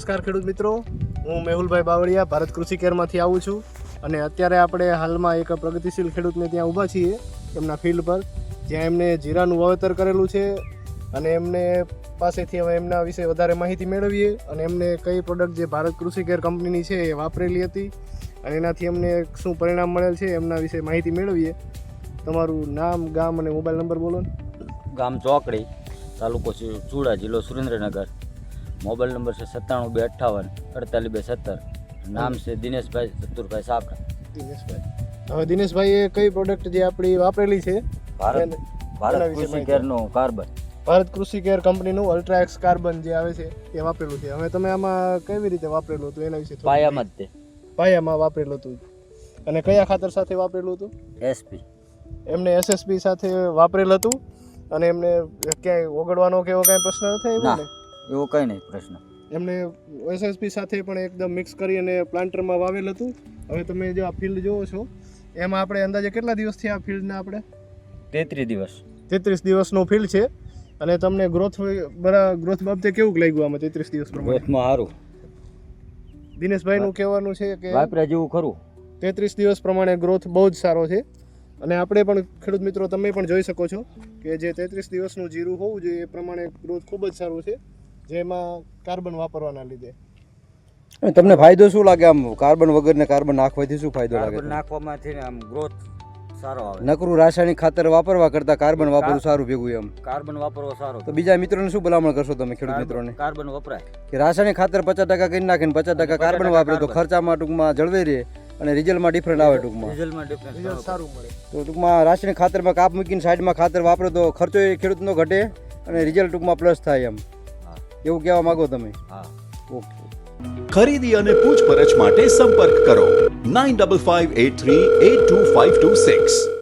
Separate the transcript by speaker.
Speaker 1: નમસ્કાર ખેડૂત મિત્રો, હું મેહુલભાઈ બાવળિયા ભારત કૃષિ કેરમાંથી આવું છું અને અત્યારે આપણે હાલમાં એક પ્રગતિશીલ ખેડૂતને ત્યાં ઊભા છીએ એમના ફિલ્ડ પર, જ્યાં એમને જીરાનું વાવેતર કરેલું છે અને એમને પાસેથી હવે એમના વિશે વધારે માહિતી મેળવીએ અને એમને કઈ પ્રોડક્ટ જે ભારત કૃષિ કેર કંપનીની છે એ વાપરેલી હતી અને એનાથી એમને શું પરિણામ મળેલ છે એમના વિશે માહિતી મેળવીએ. તમારું નામ, ગામ અને મોબાઈલ નંબર બોલો ને.
Speaker 2: ગામ ચોકડી, તાલુકો ચૂડા, જિલ્લો સુરેન્દ્રનગર. મોબાઈલ નંબર છે 97 258 48 217. નામ છે દિનેશભાઈ ચતુરભાઈ સાપરા.
Speaker 1: દિનેશભાઈ, હવે દિનેશભાઈએ કઈ પ્રોડક્ટ જે આપણી વાપરેલી છે
Speaker 2: ભારત કૃષિ કેરનું કાર્બન,
Speaker 1: ભારત કૃષિ કેર કંપનીનું અલ્ટ્રાએક્સ કાર્બન જે આવે છે એ વાપરેલું છે. હવે તમે આમાં કેવી રીતે વાપરેલું હતું એના વિશે
Speaker 2: પાયામાં જ તે
Speaker 1: પાયામાં વાપરેલું હતું અને કયા ખાતર સાથે વાપરેલું હતું?
Speaker 2: એસપી.
Speaker 1: એમને એસએસપી સાથે વાપરેલું હતું અને એમને ક્યાંય ઓગળવાનો કે એવો કાંઈ પ્રશ્ન ન થયો
Speaker 2: ના,
Speaker 1: ને?
Speaker 2: એવો કંઈ નહીં પ્રશ્ન.
Speaker 1: એમને એસએસપી સાથે પણ એકદમ મિક્સ કરી અને પ્લાન્ટરમાં વાવેલ હતું. હવે તમે જો આ ફિલ્ડ જોવો છો એમાં આપણે અંદાજે કેટલા દિવસથી આ ફિલ્ડના આપણે
Speaker 2: 33 દિવસ
Speaker 1: 33 દિવસનું ફિલ્ડ છે અને તમને ગ્રોથ બાબતે કેવું લાગ્યું આમાં 33 દિવસ પ્રમાણે?
Speaker 2: ગ્રોથમાં સારું.
Speaker 1: દિનેશભાઈનું કહેવાનું છે કે
Speaker 2: વાપરા જેવું ખરું.
Speaker 1: 33 દિવસ પ્રમાણે ગ્રોથ બહુ જ સારો છે અને આપણે પણ ખેડૂત મિત્રો તમે પણ જોઈ શકો છો કે જે 33 દિવસનું જીરું હોવું જોઈએ એ પ્રમાણે ગ્રોથ ખૂબ જ સારું છે, જેમાં કાર્બન વાપરવાના લીધે.
Speaker 3: તમને ફાયદો શું લાગે આમ કાર્બન વગર ને કાર્બન નાખવાથી શું ફાયદો લાગે?
Speaker 2: કાર્બન નાખવામાંથી આમ ગ્રોથ સારો આવે.
Speaker 3: નકરું રાસાયણિક ખાતર વાપરવા કરતા કાર્બન વાપરવું સારું ભેગું એમ.
Speaker 2: કાર્બન વાપરવો સારો.
Speaker 3: તો બીજા મિત્રોને શું ભલામણ કરશો તમે ખેડૂત મિત્રોને?
Speaker 2: કાર્બન વપરાય
Speaker 3: કે રાસાયણિક ખાતર 50% કરી નાખે ને 50% કાર્બન વાપરે તો ખર્ચામાં ટૂંકમાં જળવાઈ રહે અને રિઝલ્ટમાં ડિફરન્ટ આવે ટૂંકમાં.
Speaker 2: રિઝલ્ટમાં ડિફરન્સ
Speaker 1: રિઝલ્ટ સારું મળે.
Speaker 3: તો ટૂંકમાં રાસાયણિક ખાતરમાં કાપ મૂકીને સાઈડમાં ખાતર વાપરો તો ખર્ચો એ ખેડૂતનો ઘટે અને રિઝલ્ટ ટૂંકમાં પ્લસ થાય એમ. એવું કહેવા માંગો તમે?
Speaker 2: હા.
Speaker 3: ઓકે.
Speaker 4: ખરીદી અને પૂછપરછ માટે સંપર્ક કરો 9558382526.